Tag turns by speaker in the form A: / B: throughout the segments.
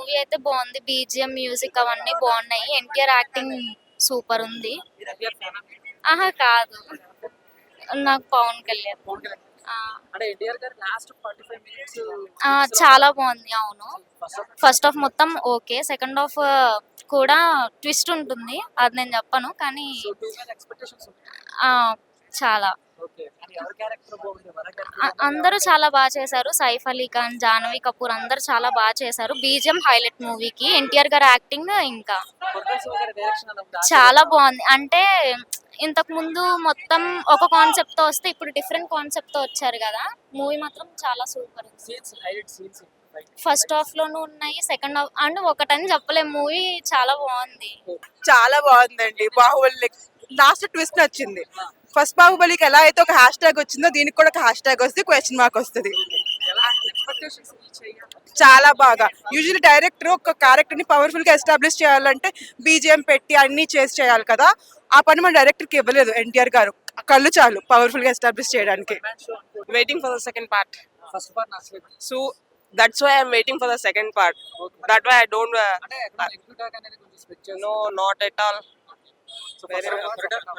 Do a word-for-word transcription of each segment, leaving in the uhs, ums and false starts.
A: Movie అయితే బాగుంది. BGM, music అవన్నీ బాగున్నాయి. ఎన్టీఆర్ యాక్టింగ్ సూపర్ ఉంది. ఆహా కాదు, నాకు పవన్ కళ్యాణ్. ఆ,
B: అంటే ఎన్టీఆర్ గారు లాస్ట్ ఫార్టీ ఫైవ్ మినిట్స్
A: ఆ, చాలా బాగుంది. అవును, ఫస్ట్ హాఫ్ మొత్తం ఓకే, సెకండ్ హాఫ్ కూడా ట్విస్ట్ ఉంటుంది, అది నేను చెప్పను కానీ
B: సో టూ మ్యాన్ ఎక్స్పెక్టేషన్స్
A: ఆ, చాలా
B: ఓకే. అని ఎవరి క్యారెక్టర్ బాగుంది? వర
A: అ-
B: క్యారెక్టర్
A: అందరూ చాలా బాగా చేశారు. సైఫ్ అలీ ఖాన్, జాహ్నవి కపూర్ అందరూ చాలా బాగా చేశారు. బీజిఎం హైలైట్ మూవీకి. ఎన్టీఆర్ గారి యాక్టింగ్ ఇంకా
B: కొరటాల శివ గారి డైరెక్షన్ అలా ఉంది.
A: చాలా బాగుంది. అంటే ఇంతకు ముందు మొత్తం ఒక కాన్సెప్ట్ తో వస్తే ఇప్పుడు డిఫరెంట్ కాన్సెప్ట్ తో వచ్చారు కదా. మూవీ మాత్రం చాలా సూపర్ ఉంది.
B: Scenes highlight scenes
A: first half లోనూ ఉన్నాయి, సెకండ్ హాఫ్ అండ్ ఒకటని చెప్పలేము. మూవీ చాలా బాగుంది.
C: చాలా బాగుందండి. బాహుబలి లాస్ట్ ట్విస్ట్ వచ్చింది. ఫస్ట్ బాహుబలికి ఎలా అయితే ఒక హ్యాష్ ట్యాగ్ వచ్చిందో దీనికి కూడా ఒక హ్యాష్ ట్యాగ్ వస్తే క్వశ్చన్ మార్క్ వస్తుంది.
B: ఎలా ఎక్స్పెక్టేషన్స్ రీచ్ అయ్యారు?
C: చాలా బాగా. యూజువల్లీ డైరెక్టర్ ఒక క్యారెక్టర్ ని పవర్ఫుల్ గా ఎస్టాబ్లిష్ చేయాలంటే బీజిఎం పెట్టి అన్ని చేసి చేయాలి కదా. ఆ పని మన డైరెక్టర్ కి ఇవ్వలేదు ఎన్టీఆర్ గారు. కళ్ళు చాలు పవర్ఫుల్ గా ఎస్టాబ్లిష్ చేయడానికి.
D: Waiting for the second part.
B: First part నచ్చలేదు.
D: So that's why I'm waiting for the second part. That way I don't. Uh,
B: అంటే ఎక్కడ నెగటివ్ టాక్ అనేది కొంచెం స్పెక్ట్ చేస్తాను.
D: no, not at all.
B: So
D: very well.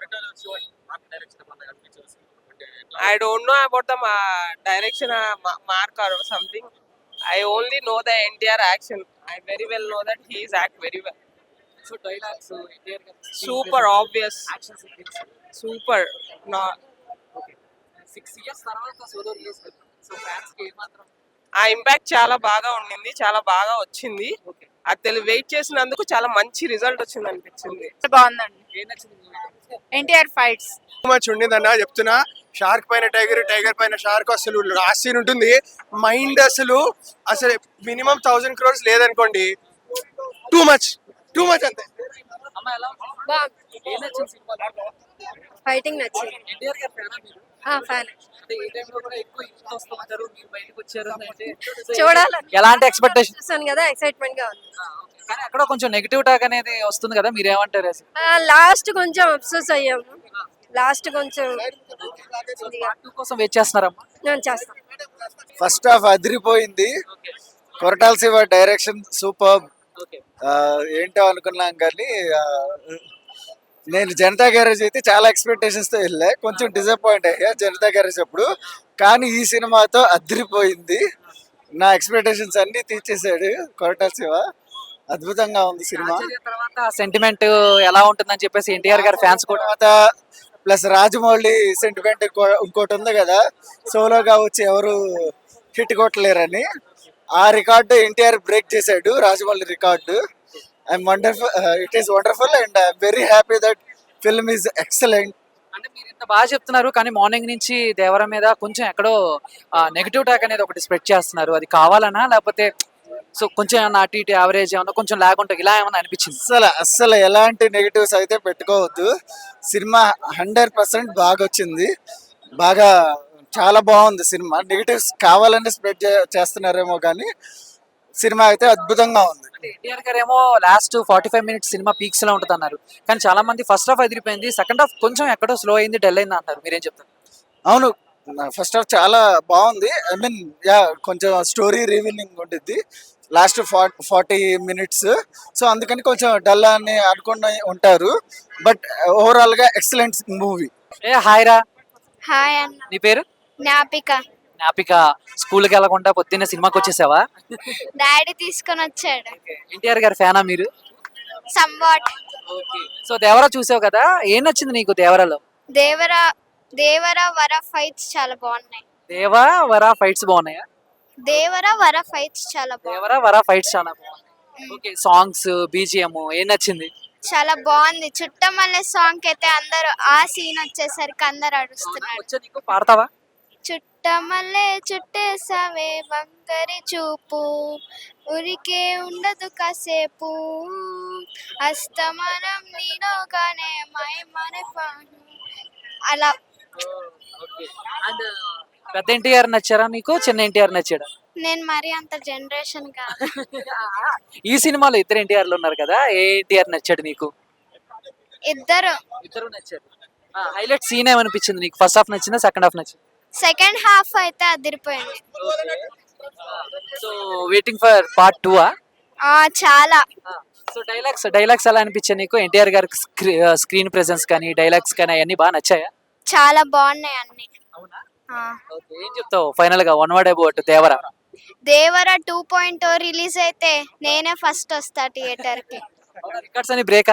B: well.
D: I don't know about the ma- direction, uh, ma- mark or something. I only know the N T R action. I very well know that he is act very well.
B: So dialogues NTR garu
D: Super obvious.
B: Action sequence.
D: Super. No,
B: okay. Six years తర్వాత solo release కదా. So fans కి ఏమాత్రం
D: ఆ impact చాలా బాగా ఉండింది, చాలా బాగా వచ్చింది.
B: ఓకే.
D: అది తెలి వెయిట్ చేసినందుకు చాలా మంచి రిజల్ట్ వచ్చింది అనిపించింది.
C: బాగుందండి.
B: ఏం నచ్చింది మూవీ?
C: ఎన్టీఆర్ ఫైట్స్
E: మచ్ ఉండిందన్న చెప్తున్నా. షార్క్ పైన టైగర్, టైగర్ పైన షార్క్, అసలు లాస్ట్ సీన్ ఉంటుంది. మైండ్ అసలు అసలు మినిమం థౌసండ్ క్రోర్స్ లేదనుకోండి. టూ మచ్ టూ మచ్ అంతే.
B: అమ్మ ఎలా ఉంది?
F: బాగుంది.
B: ఏం నచ్చింది సినిమాలో?
F: ఫైటింగ్ నచ్చింది.
B: ఎన్టీఆర్ గారి ఫ్యానా మీరు?
F: ఫ్యాన్
B: అంటే ఈ టైంలో కూడా ఎక్కువ ఇంట్లో వస్తూ ఉంటారు, మీరు బయటకు వచ్చారు అంటే సో
F: చూడాలని
B: ఎలాంటి ఎక్స్పెక్టేషన్?
F: చూస్తాను కదా, ఎక్సైట్మెంట్ గా ఉంది.
B: కానీ అక్కడ కొంచెం నెగిటివ్ టాక్ అనేది వస్తుంది కదా, మీరు ఏమంటారు?
F: లాస్ట్ కొంచెం అప్సోస్ అయ్యాము. లాస్ట్ కొంచెం
B: పార్ట్ టూ కోసం వెయిట్ చేస్తున్నారమ్మా?
F: నేను చేస్తాను.
G: ఫస్ట్ హాఫ్ అదిరిపోయింది. Koratala Siva direction super.
B: Okay.
G: ఏంటో అనుకున్నాం కానీ ఆ, నేను జనతా గ్యారేజ్ అయితే చాలా ఎక్స్పెక్టేషన్స్ తో వెళ్ళా. కొంచెం డిసప్పాయింట్ అయ్యా జనతా గ్యారేజ్ అప్పుడు. కానీ ఈ సినిమాతో అదిరిపోయింది. నా ఎక్స్పెక్టేషన్స్ అన్ని తీర్చేసాడు కొరటాల శివ. అద్భుతంగా ఉంది సినిమా.
B: ఆచార్య తర్వాత సెంటిమెంట్ ఎలా ఉంటుందని చెప్పేసి ఎన్టీఆర్ గారి ఫ్యాన్స్ కూడా
G: తర్వాత ప్లస్ రాజమౌళి సెంటిమెంట్ ఇంకోటి ఉంది కదా, సోలోగా వచ్చి ఎవరు హిట్ కొట్టలేరని. ఆ రికార్డు ఎన్టీఆర్ బ్రేక్ చేశాడు, Rajamouli record. I'm wonderful, it is wonderful and I'm very happy that film is excellent.
B: అంటే మీరు ఇంత బాగా చెప్తున్నారు కానీ మార్నింగ్ నుంచి దేవర మీద కొంచెం ఎక్కడో నెగిటివ్ టాక్ అనేది ఒకటి స్ప్రెడ్ చేస్తున్నారు. అది కావాలనా లేకపోతే సో కొంచెం ఏమన్నా అటు ఇటు యావరేజ్ ఏమన్నా కొంచెం లాగ్ ఉంటుంది, ఇలా ఏమన్నా అనిపించింది?
G: అస్సలు అస్సలు ఎలాంటి నెగిటివ్స్ అయితే పెట్టుకోవద్దు. సినిమా హండ్రెడ్ పర్సెంట్ బాగా వచ్చింది. బాగా చాలా బాగుంది సినిమా. నెగిటివ్స్ కావాలని స్ప్రెడ్ చేస్తున్నారేమో కానీ సినిమా అయితే అద్భుతంగా ఉంది.
B: అంటే ఎన్టీఆర్ గారు ఏమో లాస్ట్ ఫార్టీ ఫైవ్ మినిట్స్ సినిమా పీక్స్ లో ఉంటుంది అన్నారు, కానీ చాలా మంది ఫస్ట్ హాఫ్ ఎదిరిపోయింది, సెకండ్ హాఫ్ కొంచెం ఎక్కడో స్లో అయింది, డల్ అయింది అంటారు. మీరేం చెప్తారు?
G: అవును, ఫస్ట్ హాఫ్ చాలా బాగుంది. ఐ మీన్ యా కొంచెం స్టోరీ రివీలింగ్ ఉంటుంది లాస్ట్ ఫార్టీ మినిట్స్. సో అందుకని కొంచెం డల్ అని అనుకుని ఉంటారు. బట్ ఓవరాల్ గా ఎక్సలెంట్ మూవీ.
B: ఏ హాయ్ రా,
A: హాయ్ అన్న.
B: నీ పేరు?
A: జ్ఞాపిక.
B: జ్ఞాపిక. స్కూల్కి వెళ్ళకుండా పొద్దున్నే సినిమాకి వచ్చేసావా?
A: డాడీ తీసుకొని వచ్చాడు.
B: ఎన్టీఆర్ గారి ఫ్యానా మీరు?
A: సంవాట్.
B: సో దేవరా చూసావు కదా, ఏం నచ్చింది నీకు దేవరాలో?
A: దేవర దేవర వర ఫైట్స్ చాలా బాగున్నాయి.
B: దేవా వరా ఫైట్స్ బాగున్నాయా?
A: దేవర వర ఫైట్స్ చాలా బాగున్నాయి.
B: దేవరా వరా ఫైట్స్ చాలా బాగున్నాయి. ఓకే, సాంగ్స్ బీజిఎం ఏం నచ్చింది?
A: చాలా బాగుంది. చుట్టమల్లె సాంగ్ అయితే అందరూ ఆ సీన్ వచ్చేసరికి అందరు అడుస్తున్నారు.
B: వచ్చా నీకు? పాడతావా?
A: చుట్టమల్లె చుట్టేసావే వంకరి చూపు, ఉరికే ఉండదు కాసేపు, అస్తమనం నీలోగానే మై మరపాను. అలా
B: అండ్ పెద్ద ఎన్టీఆర్ నచ్చారా నీకు, చిన్న ఎన్టీఆర్ నచ్చాడా?
A: నేను మరి అంత జనరేషన్ కాదు.
B: ఈ సినిమాలో ఇద్దరు ఎన్టీఆర్లు ఉన్నారు కదా, ఏ ఎన్టీఆర్ నచ్చాడు నీకు?
A: ఇద్దరు.
B: ఇద్దరు నచ్చారు. హైలైట్ సీన్ ఏమనిపించింది నీకు? ఫస్ట్ హాఫ్ నచ్చిందా, సెకండ్ హాఫ్ నచ్చింది?
A: సెకండ్ హాఫ్ అయితే అదిరిపోయింది.
B: So waiting for part two ఆ?
A: ఆ, చాలా
B: సో డైలాగ్స్ డైలాగ్స్ ఎలా అనిపించాయి నీకు? ఎన్టీఆర్ గారి స్క్రీన్ ప్రెసెన్స్ కానీ డైలాగ్స్ కానీ అవన్నీ బాగా నచ్చాయా?
A: చాలా బాగున్నాయి అన్ని.
B: అవునా?
A: ఆ.
B: ఓకే, ఏం చెప్తావు ఫైనల్ గా one word about Devara?
A: Devara two point release అయితే నేనే ఫస్ట్ వస్తా థియేటర్ కి.
B: రికార్డ్స్ అని బ్రేకా?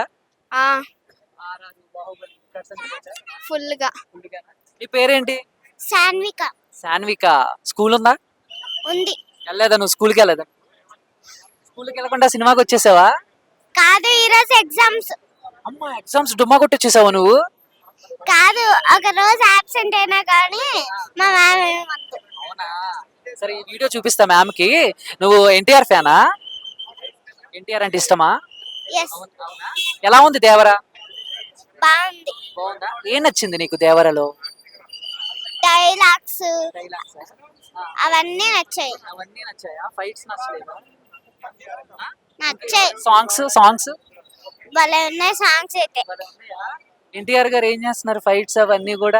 A: ఫుల్ గా.
B: నీ పేరేంటి?
A: సాన్విక
B: సాన్విక. స్కూల్ ఉందా?
A: ఉంది.
B: వెళ్ళలేదా నువ్వు? స్కూల్కి వెళ్ళలేదా? స్కూల్కి వెళ్ళకుండా సినిమాకి వచ్చేసావా?
A: కాదు, ఈరోజు ఎగ్జామ్స్.
B: అమ్మా, ఎగ్జామ్స్ డుమ్మా కొట్టి వచ్చేసావా నువ్వు?
A: కాదు, ఒక రోజు ఆబ్సెంట్ అయినా కానీ మా మ్యామ్ ఏమంది.
B: అవునా? సరే, ఈ వీడియో చూపిస్తా మ్యామ్ కి. నువ్వు ఎన్టీఆర్ ఫ్యానా? ఎన్టీఆర్ అంటే ఇష్టమా?
A: ఎస్,
B: ఎలా ఉంది దేవర?
A: బాగుంది.
B: బాగుందా? ఏం నచ్చింది నీకు దేవరలో?
A: డైలాగ్స్ అవన్నీ నచ్చాయి.
B: అవన్నీ నచ్చాయా? ఫైట్స్ నచ్చలేదా?
A: నచ్చాయి.
B: సాంగ్స్ సాంగ్స్
A: భలే ఉన్నాయి సాంగ్స్ అయితే.
B: ఎన్టీఆర్ గారు ఏం చేస్తున్నారు ఫైట్స్ అవన్నీ కూడా?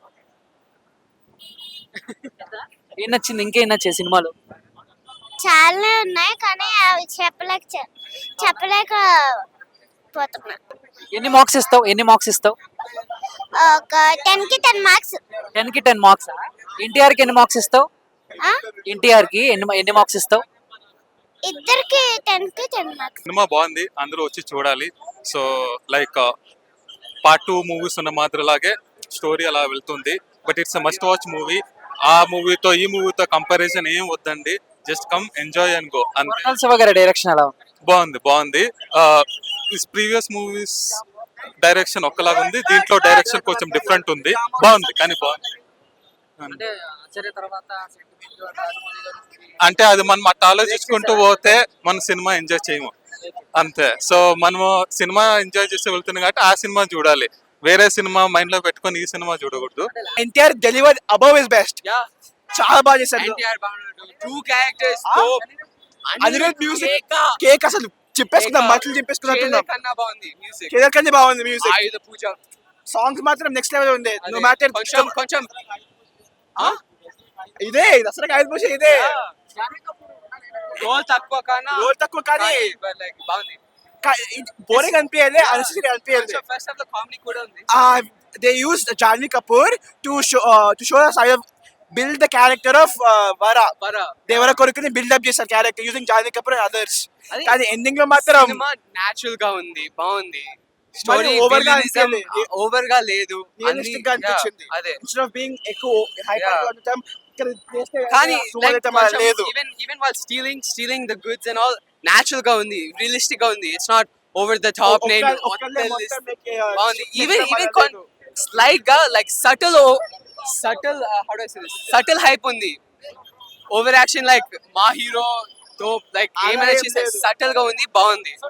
B: ఏం నచ్చింది? ఇంకేం నచ్చాయి సినిమాలో?
A: చాలా ఉన్నాయి కానీ అవి చెప్పలేక చె- చెప్పలేక పోతున్నా.
B: ఎన్ని మార్క్స్ ఇస్తావు? ఎన్ని మార్క్స్ ఇస్తావు?
A: ఒక టెన్ కి టెన్ మార్క్స్.
B: టెన్ కి టెన్ మార్క్స్. ఎన్టీఆర్ కి ఎన్ని మార్క్స్ ఇస్తావు? ఎన్టీఆర్ కి ఎన్ని ఎన్ని మార్క్స్ ఇస్తావు?
A: ఇద్దరికి టెన్ కి టెన్ మార్క్స్.
H: సినిమా బాగుంది, అందరూ వచ్చి చూడాలి. So like part two movies ఉన్న మాదిరిలాగే స్టోరీ అలా వెళ్తుంది. But it's must watch movie. ఆ మూవీతో ఈ మూవీతో కంపారిజన్ ఏం వద్దండి, just come enjoy and go అంతే.
B: కొరటాల శివ గారి డైరెక్షన్ ఎలా ఉంది?
H: బాగుంది బాగుంది ఇస్ ప్రీవియస్ మూవీస్ డైరెక్షన్ ఒక్కలాగా ఉంది, దీంట్లో డైరెక్షన్ కొంచెం డిఫరెంట్ ఉంది. బాగుంది కానీ బాగుంది.
B: అంటే ఆచార్య తర్వాత
H: అంటే అది మనం అట్లా ఆలోచించుకుంటూ పోతే మన సినిమా ఎంజాయ్ చేయము అంతే. సో మనము సినిమా ఎంజాయ్ చేసి వెళ్తున్నాం కాబట్టి ఆ సినిమా చూడాలి, వేరే సినిమా మైండ్ లో పెట్టుకొని ఈ సినిమా చూడకూడదు.
E: NTR deliver above is best. చాలా బాగా చేశారు.
D: టూ క్యారెక్టర్స్
E: అనిరుద్ మ్యూజిక్ కేక్ అసలు చెప్పేసుకుందాం, మాటలు చెప్పేసుకున్నట్టున్నాం.
D: కన్నా బాగుంది మ్యూజిక్.
E: కేదర్ కంటే బాగుంది మ్యూజిక్.
D: ఆయుధ పూజ
E: సాంగ్స్ మాత్రం నెక్స్ట్ లెవెల్ ఉంది. నో మ్యాటర్
D: కొంచెం కొంచెం
E: ఇదే దసరా ఆయుధ పూజ ఇదే
D: రోల్ తక్కువ కన్నా
E: రోజు తక్కువ కానీ
D: లైక్ బాగుంది.
E: బోరింగ్ అనిపించలే, అనిశ్చితి అనిపించలే.
D: ఫస్ట్ హాఫ్ లో కామెడీ కూడా ఉంది.
E: uh, they used Janvi Kapoor to show uh, to show us how to build the character of uh, Vara.
D: Vara.
E: Devara కొడుకుని బిల్డ్ అప్ చేశారు character using Janhvi Kapoor and others.
D: అది
E: కానీ ఎండింగ్ లో మాత్రం
D: cinema natural గా ఉంది, బాగుంది.
E: మరి
D: స్టోరీ
E: over గా
D: ఓవర్
E: అనిపించలేదు.
D: ఓవర్ గా లేదు,
E: రియలిస్టిక్ గా అనిపించింది.
D: అదే.
E: ఇన్స్టెడ్ ఆఫ్ బీయింగ్ ఎక్కువ హైపర్
D: Yeah.
E: గా ఉండటం ఇక్కడ చేస్తే
D: కానీ
E: సుమన్ అయితే మరి లేదు.
D: ఈవెన్ ఈవెన్ వాళ్ళు stealing stealing the goods and all natural గా ఉంది, రియలిస్టిక్ గా ఉంది. It's not over the top.
E: ఒక్క-
D: నేను
E: ఒక్కళ్ళే మొత్తం make, uh,
D: బాగుంది.
E: చేసిన
D: ఈవెన్
E: పని
D: ఈవెన్
E: లేదు.
D: స్లైట్ గా like subtle subtle how do I say this subtle hype ఉంది. ఓవర్ యాక్షన్ లైక్ మా హీరో తో లైక్
E: అలా
D: ఏమైనా
E: ఏం
D: చేసే
E: లేదు.
D: సటిల్ గా ఉంది, బాగుంది.